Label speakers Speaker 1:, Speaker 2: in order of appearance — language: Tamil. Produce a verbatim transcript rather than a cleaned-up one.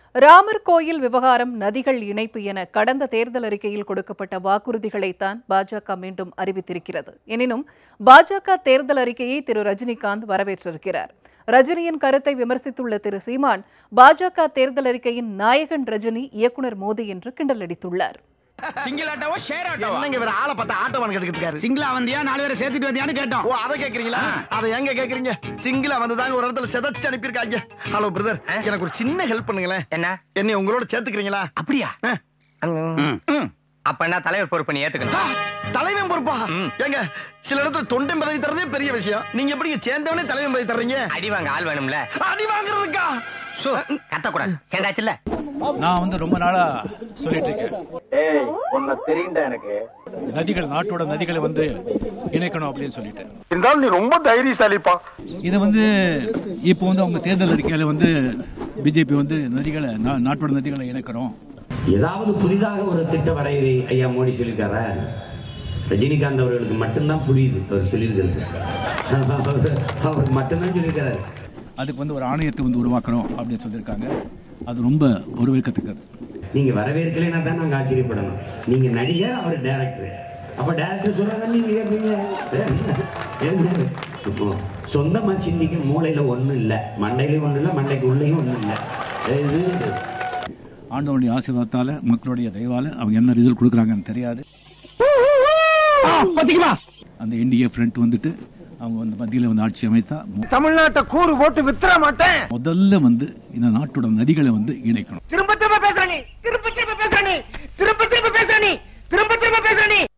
Speaker 1: ராமர் கோயில் விவகாரம் நதிகள் இணைப்பு என கடந்த தேர்தல் அறிக்கையில் கொடுக்கப்பட்ட வாக்குறுதிகளைத்தான் பாஜக மீண்டும் அறிவித்திருக்கிறது. எனினும் பாஜக தேர்தல் அறிக்கையை திரு ரஜினிகாந்த் வரவேற்றிருக்கிறார். ரஜினியின் கருத்தை விமர்சித்துள்ள திரு சீமான், பாஜக தேர்தல் அறிக்கையின் நாயகன் ரஜினி, இயக்குநர் மோடி என்று கிண்டல் அடித்துள்ளார்.
Speaker 2: Single ஆட்டோவா share ஆட்டோவா?
Speaker 3: என்னங்க வேற ஆளை பார்த்தா ஆட்டோவான் கேட்டுக்கிட்டு இருக்காரு.
Speaker 2: சிங்கிளா வந்தியா நாலு பேரை சேர்த்துட்டு வந்தியான்னு கேட்டோம்.
Speaker 3: ஓ அதை கேக்குறீங்களா? அதை எங்க கேக்குறீங்க? சிங்கிளா வந்ததாங்க ஒரு இடத்துல செதச்சு அனுப்பியிருக்காங்க. ஹலோ பிரதர், எனக்கு ஒரு சின்ன ஹெல்ப் பண்ணுங்களேன்.
Speaker 4: என்ன?
Speaker 3: என்னை உங்களோட சேர்த்துக்கிறீங்களா?
Speaker 4: அப்படியா? அப்ப என்ன தலைவர் பொறுப்பு நீ ஏத்துக்கணும்?
Speaker 3: தலைவன் பொறுப்பா? ஏங்க சில இடத்துல தொண்டை பதவி தரதே பெரிய விஷயம். நீங்க எப்படி சேர்ந்தவனே தலைவன் பதவி தர்றீங்க?
Speaker 4: அடி வாங்க ஆள் வேணும்ல.
Speaker 3: அடி வாங்குறதுக்கா?
Speaker 4: கத்தக்கூடாது. சேர்ந்தாச்சுல்ல?
Speaker 5: நான் வந்து ரொம்ப நாளா சொல்லிட்டு இருக்கேன்.
Speaker 6: ஏய் உன்னை தெரியும்டா எனக்கு.
Speaker 5: நதிகள், நாட்டோட நதிகளை வந்து இணைக்கணும் அப்படின்னு சொல்லிட்டு.
Speaker 6: இருந்தாலும் நீ ரொம்ப தைரியசாலிப்பா.
Speaker 5: இதை வந்து இப்போ வந்து அவங்க தேர்தல் அறிக்கையில வந்து பிஜேபி வந்து நதிகளை, நாட்டோட நதிகளை இணைக்கிறோம்.
Speaker 7: ஏதாவது புதிதாக ஒரு திட்ட வரைவை ஐயா மோடி சொல்லியிருக்காரா? ரஜினிகாந்த் அவர்களுக்கு மட்டும்தான் புரியுது அவர் சொல்லியிருக்கிறது. அவர் மட்டும்தான் சொல்லியிருக்கிறாரு.
Speaker 5: அதுக்கு வந்து ஒரு ஆணையத்தை வந்து உருவாக்குறோம் அப்படின்னு சொல்லியிருக்காங்க. அது ரொம்ப வரவேற்கத்தக்கது.
Speaker 7: நீங்க வரவேற்கலைன்னா தான் நாங்க ஆச்சரியப்படணும். நீங்க நடிகர், அவர் டைரக்டர். அப்ப டைரக்டர் சொல்றாங்க நீங்க கேட்பீங்க. இப்போ சொந்தமா சிந்திக்க மூளையில ஒண்ணும் இல்லை, மண்டையிலையும் ஒண்ணும் இல்லை, மண்டைக்கு உள்ளேயும் ஒண்ணும் இல்லை. இது
Speaker 5: ஆண்டவனுடைய ஆசீர்வாதத்தால, மக்களுடைய தயவால அவங்க என்ன ரிசல்ட் கொடுக்குறாங்கன்னு தெரியாது. அந்த என்டிஏ ஃப்ரண்ட் வந்துட்டு அவங்க வந்து மத்தியில வந்து ஆட்சி அமைத்தா
Speaker 6: தமிழ்நாட்டை கூறு போட்டு வித்துற மாட்டேன்.
Speaker 5: முதல்ல வந்து இந்த நாட்டோட நதிகளை வந்து இணைக்கணும்.
Speaker 6: திரும்ப திரும்ப பேசுற நீ, திரும்ப திரும்ப பேசுற நீ, திரும்ப திரும்ப பேசுற நீ, திரும்ப திரும்ப பேசுற நீ.